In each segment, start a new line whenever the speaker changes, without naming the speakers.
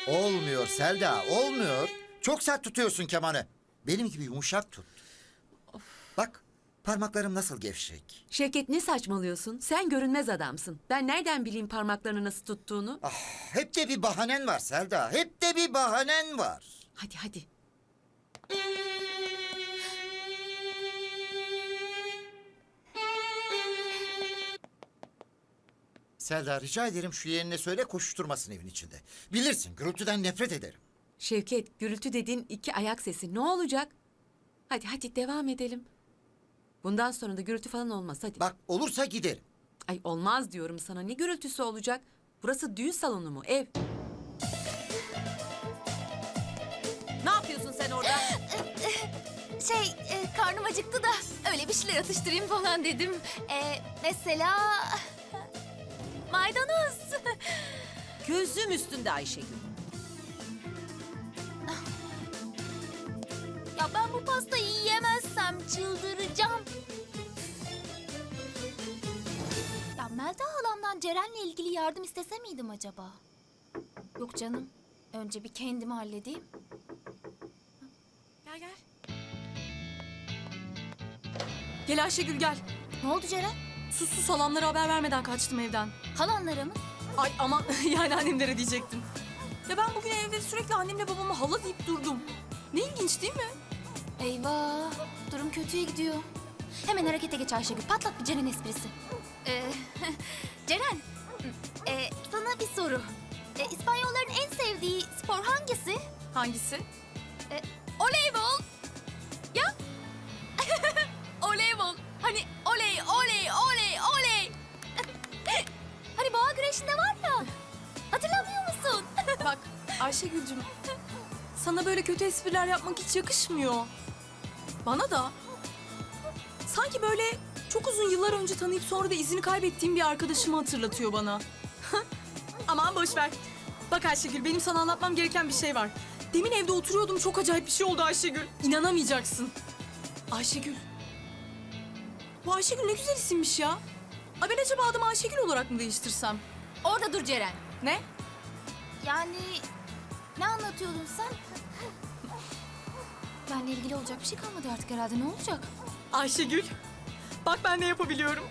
Olmuyor Selda, olmuyor. Çok sert tutuyorsun kemanı. Benim gibi yumuşak tut. Bak, parmaklarım nasıl gevşek.
Şevket ne saçmalıyorsun? Sen görünmez adamsın. Ben nereden bileyim parmaklarını nasıl tuttuğunu?
Hep de bir bahanen var Selda, hep de bir bahanen var.
Hadi hadi.
Selda rica ederim şu yeğenine söyle koşuşturmasın evin içinde. Bilirsin gürültüden nefret ederim.
Şevket, gürültü dediğin iki ayak sesi. Ne olacak? Hadi hadi devam edelim. Bundan sonra da gürültü falan olmaz hadi.
Bak olursa giderim.
Ay olmaz diyorum sana. Ne gürültüsü olacak? Burası düğün salonu mu? Ev.
Ne yapıyorsun sen orada?
Karnım acıktı da öyle bir şeyler atıştırayım falan dedim. Mesela maydanoz.
Gözüm üstünde Ayşegül.
Ya ben bu pastayı yiyemezsem çıldıracağım. Ya Melda halamdan Ceren'le ilgili yardım istese miydim acaba? Yok canım. Önce bir kendimi halledeyim.
Gel gel. Gel Ayşegül gel.
Ne oldu Ceren?
Sus halamlara haber vermeden kaçtım evden.
Halanlara mı?
Ay aman yani annemlere diyecektim. Ya ben bugün evde sürekli annemle babama hala deyip durdum. Ne ilginç değil mi?
Eyvah. Durum kötüye gidiyor. Hemen harekete geç Ayşegül. Patlat bir Ceren esprisi. Ceren. Sana bir soru. İspanyolların en sevdiği spor hangisi?
Hangisi?
Voleybol. Ya? Voleybol. Hani oley oley oley oley. Hani boğa güreşinde var ya. Hatırlamıyor musun?
Bak Ayşegül'cüm sana böyle kötü espriler yapmak hiç yakışmıyor. Bana da. Sanki böyle çok uzun yıllar önce tanıyıp sonra da izini kaybettiğim bir arkadaşımı hatırlatıyor bana. Aman boş ver. Bak Ayşegül benim sana anlatmam gereken bir şey var. Demin evde oturuyordum çok acayip bir şey oldu Ayşegül. İnanamayacaksın. Ayşegül. Bu Ayşegül ne güzel isimmiş ya. Ay ben acaba adımı Ayşegül olarak mı değiştirsem?
Orada dur Ceren.
Ne?
Yani ne anlatıyordun sen? Benle ilgili olacak bir şey kalmadı artık herhalde. Ne olacak?
Ayşegül. Bak ben ne yapabiliyorum.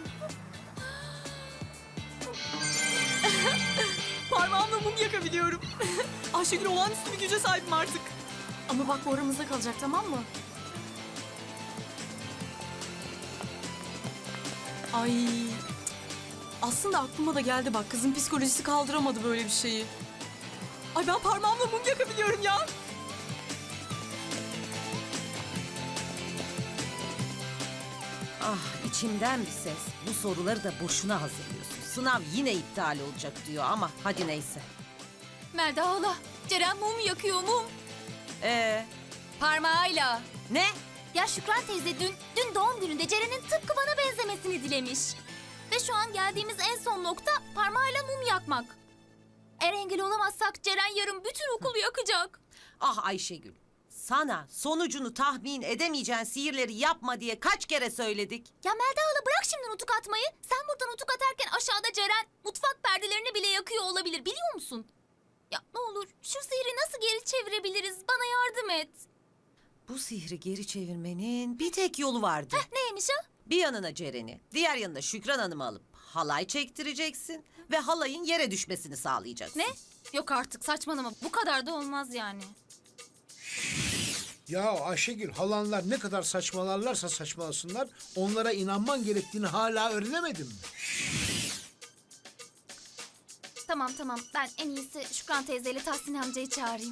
Parmağımla mum yakabiliyorum. Ayşegül olağanüstü bir güce sahibim artık. Ama bak bu aramızda kalacak tamam mı? Ay. Aslında aklıma da geldi bak kızın psikolojisi kaldıramadı böyle bir şeyi. Ay ben parmağımla mum yakabiliyorum ya.
Ah içimden bir ses. Bu soruları da boşuna hazırlıyorsun. Sınav yine iptal olacak diyor ama hadi neyse.
Melda hala. Ceren mum yakıyor mum.
Parmağıyla. Ne?
Ya Şükran teyze dün doğum gününde Ceren'in tıpkı bana benzemesini dilemiş. Ve şu an geldiğimiz en son nokta parmağıyla mum yakmak. Eğer engel olamazsak Ceren yarın bütün okulu yakacak.
Ah Ayşegül. Sana sonucunu tahmin edemeyeceğin sihirleri yapma diye kaç kere söyledik.
Ya Melda hala bırak şimdi nutuk atmayı. Sen buradan nutuk atarken aşağıda Ceren mutfak perdelerini bile yakıyor olabilir biliyor musun? Ya ne olur şu sihri nasıl geri çevirebiliriz? Bana yardım et.
Bu sihri geri çevirmenin bir tek yolu vardı.
Neymiş o?
Bir yanına Ceren'i, diğer yanına Şükran Hanım'ı alıp halay çektireceksin ve halayın yere düşmesini sağlayacaksın.
Ne? Yok artık saçmalama. Bu kadar da olmaz yani.
Ya Ayşegül, halanlar ne kadar saçmalarlarsa saçmalasınlar, onlara inanman gerektiğini hala öğrenemedin mi?
Tamam. Ben en iyisi Şükran teyzeyle Tahsin amcayı çağırayım.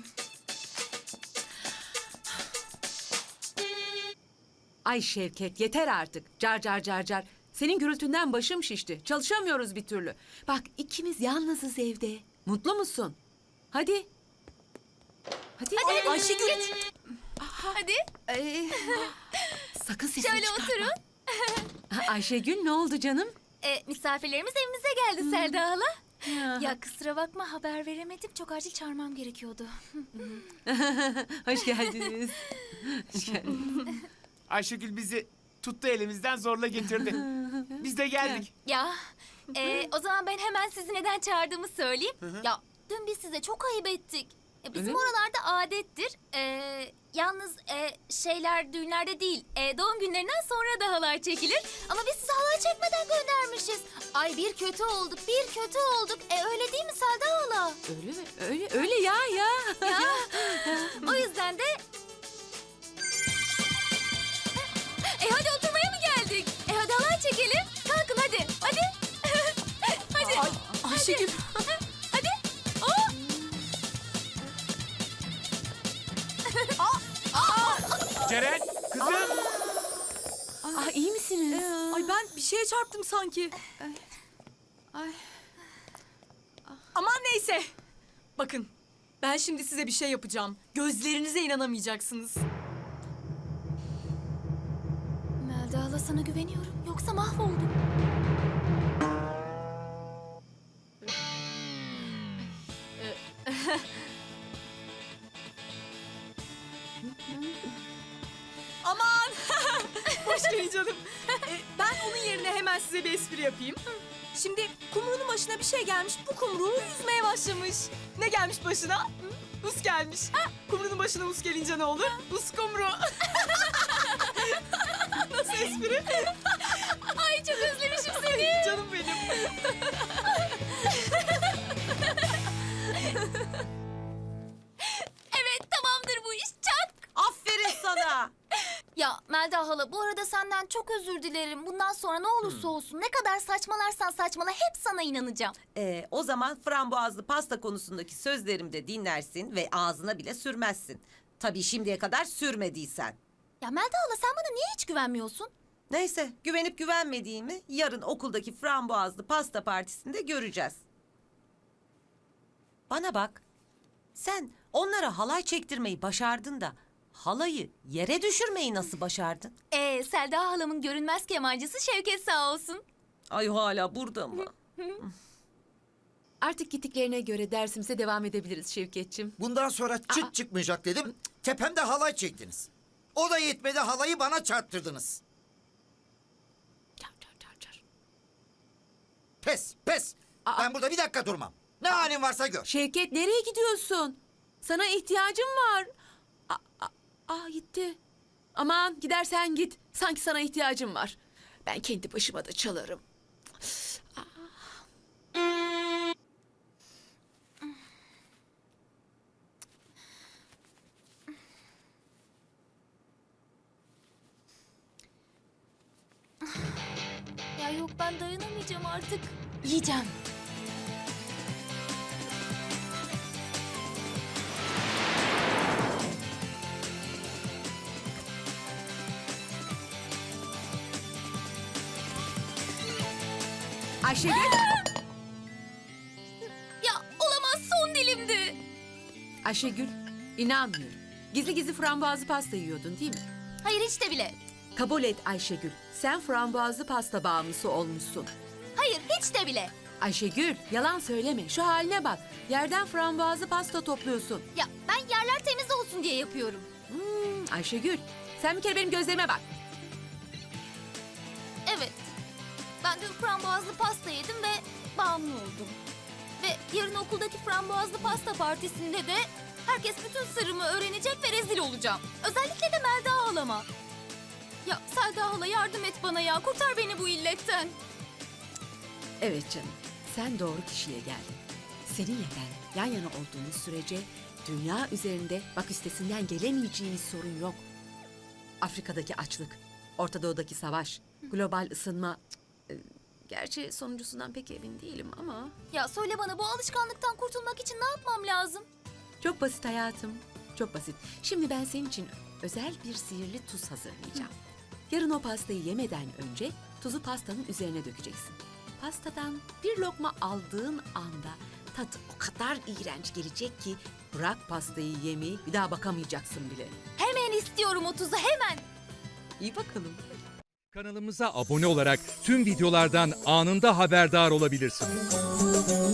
Ay Şevket yeter artık. Car car car car. Senin gürültünden başım şişti. Çalışamıyoruz bir türlü. Bak ikimiz yalnızız evde. Mutlu musun? Hadi. Hadi.
Hadi
Ayşegül.
Hadi.
Sakın sesini
Şöyle
çıkartma.
oturun.
Ayşegül ne oldu canım?
Misafirlerimiz evimize geldi Selda hala. Ya kusura bakma haber veremedim. Çok acil çağırmam gerekiyordu.
Hoş geldiniz. Hoş geldiniz.
Ayşegül bizi tuttu elimizden zorla getirdi. Biz de geldik.
Ya o zaman ben hemen sizi neden çağırdığımı söyleyeyim. Ya dün biz size çok ayıp ettik. Bizim
Öyle mi?
oralarda adettir. Yalnız şeyler düğünlerde değil, doğum günlerinden sonra da halay çekilir. Ama biz size halay çekmeden göndermişiz. Ay bir kötü olduk, bir kötü olduk. Öyle değil mi Selda hala?
Öyle mi? Öyle ya.
Ya. O yüzden de... hadi oturmaya mı geldik? Hadi halay çekelim. Kalkın hadi. Hadi. Hadi.
Ay, Ayşegül.
Hadi. Oh.
Ceren, kızım.
İyi misiniz?
Ay ben bir şeye çarptım sanki.
Ay.
Aman neyse. Bakın ben şimdi size bir şey yapacağım. Gözlerinize inanamayacaksınız.
Melda hala sana güveniyorum. Yoksa mahvoldum.
Aman! Hoş geldin canım. Ben onun yerine hemen size bir espri yapayım. Şimdi kumruğunun başına bir şey gelmiş. Bu kumruğu yüzmeye başlamış. Ne gelmiş başına? Us gelmiş. Kumruğunun başına us gelince ne olur? Us kumru. Nasıl espri?
Ay çok özlemişim seni.
Canım benim.
Evet tamamdır bu iş. Çak.
Aferin sana.
Ya Melda hala bu arada senden çok özür dilerim. Bundan sonra ne olursa olsun ne kadar saçmalarsan saçmala hep sana inanacağım.
O zaman frambuazlı pasta konusundaki sözlerimi de dinlersin ve ağzına bile sürmezsin. Tabii şimdiye kadar sürmediysen.
Ya Melda hala sen bana niye hiç güvenmiyorsun?
Neyse, güvenip güvenmediğimi yarın okuldaki frambuazlı pasta partisinde göreceğiz. Bana bak, sen onlara halay çektirmeyi başardın da halayı yere düşürmeyi nasıl başardın?
Selda halamın görünmez kemancısı Şevket sağ olsun.
Ay hala burada mı?
Artık gittiklerine göre dersimize devam edebiliriz Şevketçim.
Bundan sonra çıt çıkmayacak dedim. Tepemde halay çektiniz. O da yetmedi, halayı bana çarptırdınız.
Çar.
Pes, pes. Ben burada bir dakika durmam. Ne halin varsa gör.
Şevket nereye gidiyorsun? Sana ihtiyacım var. Gitti. Aman gidersen git. Sanki sana ihtiyacım var. Ben kendi başıma da çalarım.
Ya yok ben dayanamayacağım artık. Yiyeceğim.
Ayşegül.
Ya olamaz son dilimdi.
Ayşegül, inanmıyorum. Gizli gizli frambuazlı pasta yiyordun değil mi?
Hayır hiç de bile.
Kabul et Ayşegül. Sen frambuazlı pasta bağımlısı olmuşsun.
Hayır hiç de bile.
Ayşegül, yalan söyleme. Şu haline bak. Yerden frambuazlı pasta topluyorsun.
Ya ben yerler temiz olsun diye yapıyorum.
Ayşegül, sen bir kere benim gözlerime bak.
Evet. Ben dün frambuazlı pasta yedim ve bağımlı oldum. Ve yarın okuldaki frambuazlı pasta partisinde de herkes bütün sırrımı öğrenecek ve rezil olacağım. Özellikle de Melda halama. Ya Selda hala yardım et bana ya. Kurtar beni bu illetten.
Evet canım, sen doğru kişiye geldin. Seninle ben yan yana olduğumuz sürece dünya üzerinde bak üstesinden gelemeyeceğimiz sorun yok. Afrika'daki açlık, Orta Doğu'daki savaş, global ısınma. Gerçi sonuncusundan pek emin değilim ama...
Ya söyle bana bu alışkanlıktan kurtulmak için ne yapmam lazım?
Çok basit hayatım, çok basit. Şimdi ben senin için özel bir sihirli tuz hazırlayacağım. Yarın o pastayı yemeden önce tuzu pastanın üzerine dökeceksin. Pastadan bir lokma aldığın anda tat o kadar iğrenç gelecek ki bırak pastayı yemeyi bir daha bakamayacaksın bile.
Hemen istiyorum o tuzu hemen.
İyi bakalım.
Kanalımıza abone olarak tüm videolardan anında haberdar olabilirsiniz.